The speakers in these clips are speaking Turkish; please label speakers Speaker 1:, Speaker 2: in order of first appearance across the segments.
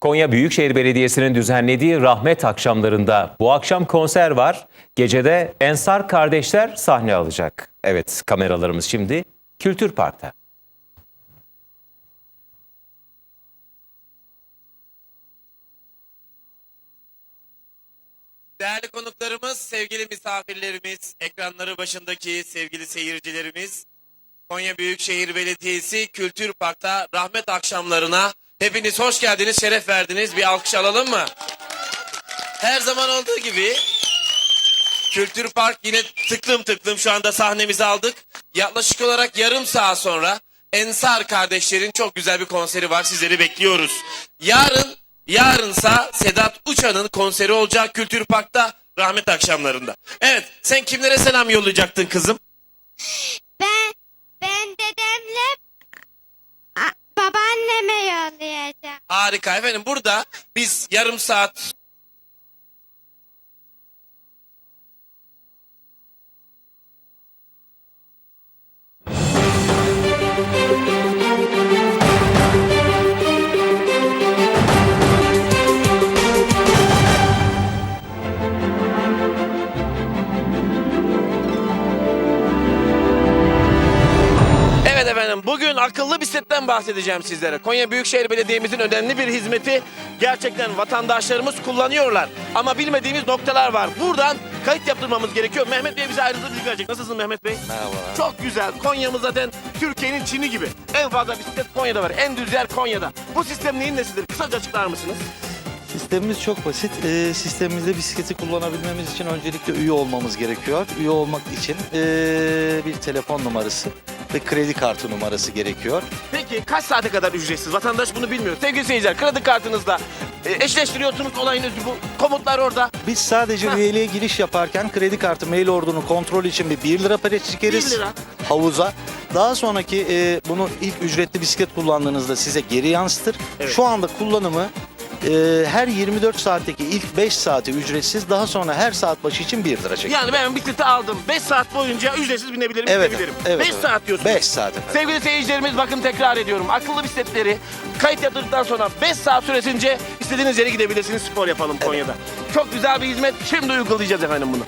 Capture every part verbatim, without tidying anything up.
Speaker 1: Konya Büyükşehir Belediyesi'nin düzenlediği Rahmet Akşamlarında bu akşam konser var. Gecede Ensar kardeşler sahne alacak. Evet, kameralarımız şimdi Kültür Park'ta.
Speaker 2: Değerli konuklarımız, sevgili misafirlerimiz, ekranları başındaki sevgili seyircilerimiz, Konya Büyükşehir Belediyesi Kültür Park'ta Rahmet Akşamlarına hepiniz hoş geldiniz, şeref verdiniz. Bir alkış alalım mı? Her zaman olduğu gibi Kültür Park yine tıklım tıklım şu anda sahnemizi aldık. Yaklaşık olarak yarım saat sonra Ensar kardeşlerin çok güzel bir konseri var, sizleri bekliyoruz. Yarın, yarınsa Sedat Uçan'ın konseri olacak Kültür Park'ta Rahmet Akşamlarında. Evet, sen kimlere selam yollayacaktın kızım?
Speaker 3: Ben ben dedemle a- babaanneme yollayacağım.
Speaker 2: Harika efendim, burada biz yarım saat Evet efendim, bugün akıllı bisikletten bahsedeceğim sizlere. Konya Büyükşehir Belediye'mizin önemli bir hizmeti, gerçekten vatandaşlarımız kullanıyorlar. Ama bilmediğimiz noktalar var. Buradan kayıt yaptırmamız gerekiyor. Mehmet Bey bize ayrıntılı bilgi verecek. Nasılsın Mehmet Bey?
Speaker 4: Merhabalar.
Speaker 2: Çok güzel. Konya'mız zaten Türkiye'nin Çin'i gibi. En fazla bisiklet Konya'da var. En düz yer Konya'da. Bu sistem neyin nesidir? Kısaca açıklar mısınız?
Speaker 4: Sistemimiz çok basit. Ee, sistemimizde bisikleti kullanabilmemiz için öncelikle üye olmamız gerekiyor. Üye olmak için ee, bir telefon numarası ve kredi kartı numarası gerekiyor.
Speaker 2: Peki kaç saate kadar ücretsiz? Vatandaş bunu bilmiyor. Sevgili seyirciler, kredi kartınızla e, eşleştiriyorsunuz, olayın özü bu. Komutlar orada.
Speaker 4: Biz sadece
Speaker 2: Heh.
Speaker 4: üyeliğe giriş yaparken kredi kartı mail ordunu kontrol için bir bir lira para çekeriz.
Speaker 2: bir lira.
Speaker 4: Havuza. Daha sonraki ee, bunu ilk ücretli bisiklet kullandığınızda size geri yansıtır.
Speaker 2: Evet.
Speaker 4: Şu anda kullanımı ee, her yirmi dört saatteki ilk beş saati ücretsiz, daha sonra her saat başı için bir lira çekiyor.
Speaker 2: Yani ben bisikleti aldım. beş saat boyunca ücretsiz binebilirim,
Speaker 4: Evet,
Speaker 2: gidebilirim.
Speaker 4: evet,
Speaker 2: beş
Speaker 4: evet.
Speaker 2: saat diyorsunuz.
Speaker 4: beş saat efendim.
Speaker 2: Sevgili seyircilerimiz, bakın tekrar ediyorum. Akıllı bisikletleri kayıt yaptırdıktan sonra beş saat süresince istediğiniz yere gidebilirsiniz. Spor yapalım Konya'da. Çok güzel bir hizmet. Şimdi uygulayacağız efendim bunu.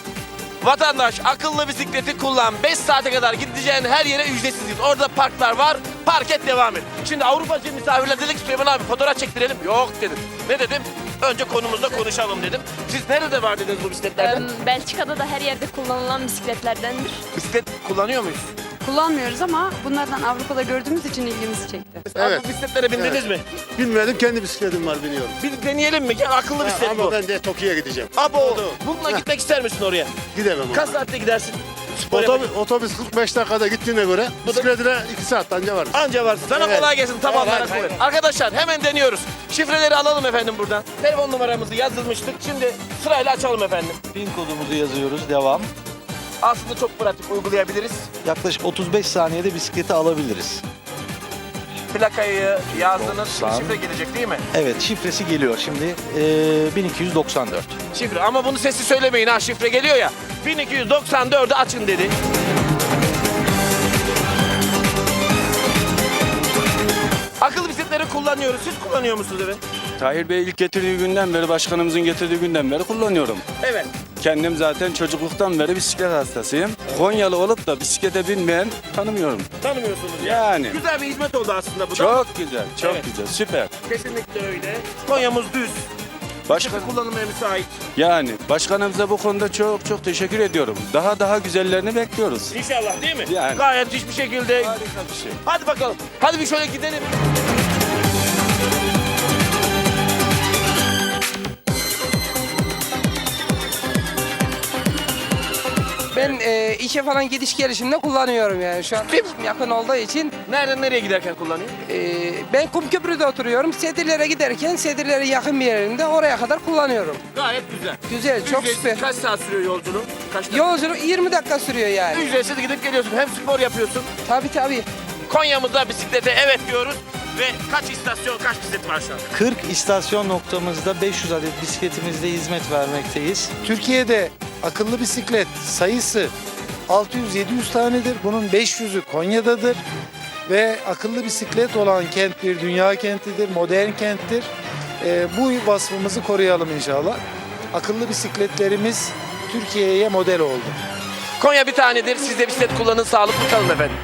Speaker 2: Vatandaş akıllı bisikleti kullan. beş saate kadar gideceğin her yere ücretsiz git. Orada parklar var. Park et, devam et. Şimdi Avrupacı misafirler dedik ki Süleyman abi fotoğraf çektirelim. Yok dedim. Ne dedim? Önce konumuzda konuşalım dedim. Siz nerede var dediniz bu bisikletlerden?
Speaker 5: Em, Belçika'da da her yerde kullanılan bisikletlerdendir.
Speaker 2: Bisiklet kullanıyor muyuz?
Speaker 6: Kullanmıyoruz ama bunlardan Avrupa'da gördüğümüz için ilgimizi çekti.
Speaker 2: Evet. Bu bisikletlere bindiniz mi?
Speaker 7: Bilmedim, kendi bisikletim var, biliyorum.
Speaker 2: Bir deneyelim mi? Gel, akıllı
Speaker 7: Ha,
Speaker 2: bisiklet
Speaker 7: ama
Speaker 2: bu.
Speaker 7: ben de Tokyo'ya gideceğim.
Speaker 2: Abo, bununla gitmek ister misin oraya?
Speaker 7: Gidemem
Speaker 2: Kaç
Speaker 7: ama.
Speaker 2: saatte gidersin? Spor
Speaker 7: Otobüs,
Speaker 2: yapacak-
Speaker 7: otobüs kırk beş dakikada gittiğine göre
Speaker 2: Bu da-
Speaker 7: bisikletine iki saat anca varız.
Speaker 2: Anca varsın. Sana
Speaker 7: Evet.
Speaker 2: kolay gelsin. Tamam.
Speaker 7: Evet,
Speaker 2: merak
Speaker 7: hayır,
Speaker 2: etme. Arkadaşlar hemen deniyoruz. Şifreleri alalım efendim buradan. Telefon numaramızı yazılmıştık. Şimdi sırayla açalım efendim.
Speaker 4: Pin kodumuzu yazıyoruz. Devam.
Speaker 2: Aslında çok pratik, uygulayabiliriz.
Speaker 4: Yaklaşık otuz beş saniyede bisikleti alabiliriz.
Speaker 2: Plakayı yazdınız. Şimdi
Speaker 4: doksan.
Speaker 2: şifre gelecek değil mi?
Speaker 4: Evet, şifresi geliyor şimdi. Ee, bin iki yüz doksan dört.
Speaker 2: Şifre, ama bunu sesli söylemeyin ha, şifre geliyor ya. bin iki yüz doksan dördü açın dedi. Akıllı bisikletleri kullanıyoruz. Siz kullanıyor musunuz efendim?
Speaker 8: Tahir Bey ilk getirdiği günden beri, başkanımızın getirdiği günden beri kullanıyorum.
Speaker 2: Evet.
Speaker 8: Kendim zaten çocukluktan beri bisiklet hastasıyım. Konyalı olup da bisiklete binmeyen tanımıyorum.
Speaker 2: Tanımıyorsunuz ya.
Speaker 8: Yani.
Speaker 2: Güzel bir hizmet oldu aslında bu da.
Speaker 8: Çok güzel, çok
Speaker 2: Evet.
Speaker 8: güzel, süper.
Speaker 2: Kesinlikle öyle. Konya'mız düz.
Speaker 8: Başkan,
Speaker 2: Bisiklet kullanılmaya müsait.
Speaker 8: yani başkanımıza bu konuda çok çok teşekkür ediyorum. Daha daha güzellerini bekliyoruz.
Speaker 2: İnşallah, değil mi?
Speaker 8: Yani.
Speaker 2: Gayet hiçbir şekilde.
Speaker 8: Harika bir şey.
Speaker 2: Hadi bakalım. Hadi bir şöyle gidelim.
Speaker 9: Ben e, işe falan gidiş gelişimde kullanıyorum yani şu an yakın olduğu için.
Speaker 2: Nereden nereye giderken kullanıyor?
Speaker 9: E, ben Kumköprü'de oturuyorum. Sedirlere giderken Sedirlere yakın bir yerinde oraya kadar kullanıyorum.
Speaker 2: Gayet güzel.
Speaker 9: Güzel, çok
Speaker 2: Ücretsiz.
Speaker 9: süper.
Speaker 2: Kaç saat sürüyor yolculuğun? Kaç dakika?
Speaker 9: Yolculuk yirmi dakika sürüyor yani.
Speaker 2: Ücretsiz gidip geliyorsun. Hem spor yapıyorsun.
Speaker 9: Tabii tabii.
Speaker 2: Konya'mızda bisiklete evet diyoruz. Ve kaç istasyon, kaç bisiklet var şu an?
Speaker 4: kırk istasyon noktamızda beş yüz adet bisikletimizde hizmet vermekteyiz.
Speaker 10: Türkiye'de akıllı bisiklet sayısı altı yüz yedi yüz tanedir. Bunun beş yüzü Konya'dadır. Ve akıllı bisiklet olan kent bir dünya kentidir, modern kenttir. E, bu vasfımızı koruyalım inşallah. Akıllı bisikletlerimiz Türkiye'ye model oldu.
Speaker 2: Konya bir tanedir. Siz de bisiklet kullanın. Sağlıklı kalın efendim.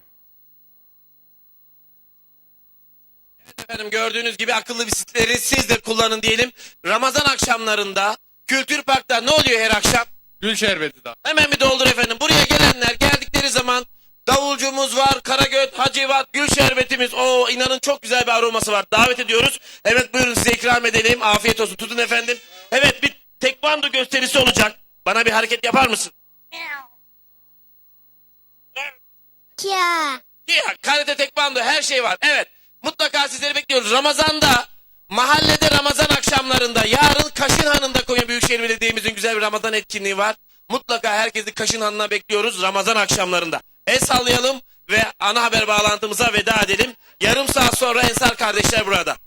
Speaker 2: Evet efendim, gördüğünüz gibi akıllı bisikletleri siz de kullanın diyelim. Ramazan akşamlarında Kültür Park'ta ne oluyor her akşam?
Speaker 7: Gül şerbeti daha.
Speaker 2: Hemen bir doldur efendim. Buraya gelenler geldikleri zaman davulcumuz var, Karagöt, Hacivat, Gül şerbetimiz. Oo, inanın çok güzel bir aroması var. Davet ediyoruz. Evet, buyurun size ikram edelim. Afiyet olsun. Tutun efendim. Evet, bir tekvando gösterisi olacak. Bana bir hareket yapar mısın?
Speaker 3: Ya.
Speaker 2: Ya, karate, tekvando, her şey var. Evet, mutlaka sizleri bekliyoruz. Ramazan'da, mahallede Ramazan akşamlarında, yarın Kaşınhan'ında Konya Büyükşehir Belediye'mizin güzel bir Ramazan etkinliği var. Mutlaka herkesi Kaşınhan'ına bekliyoruz Ramazan akşamlarında. El sallayalım ve ana haber bağlantımıza veda edelim. Yarım saat sonra Ensar kardeşler burada.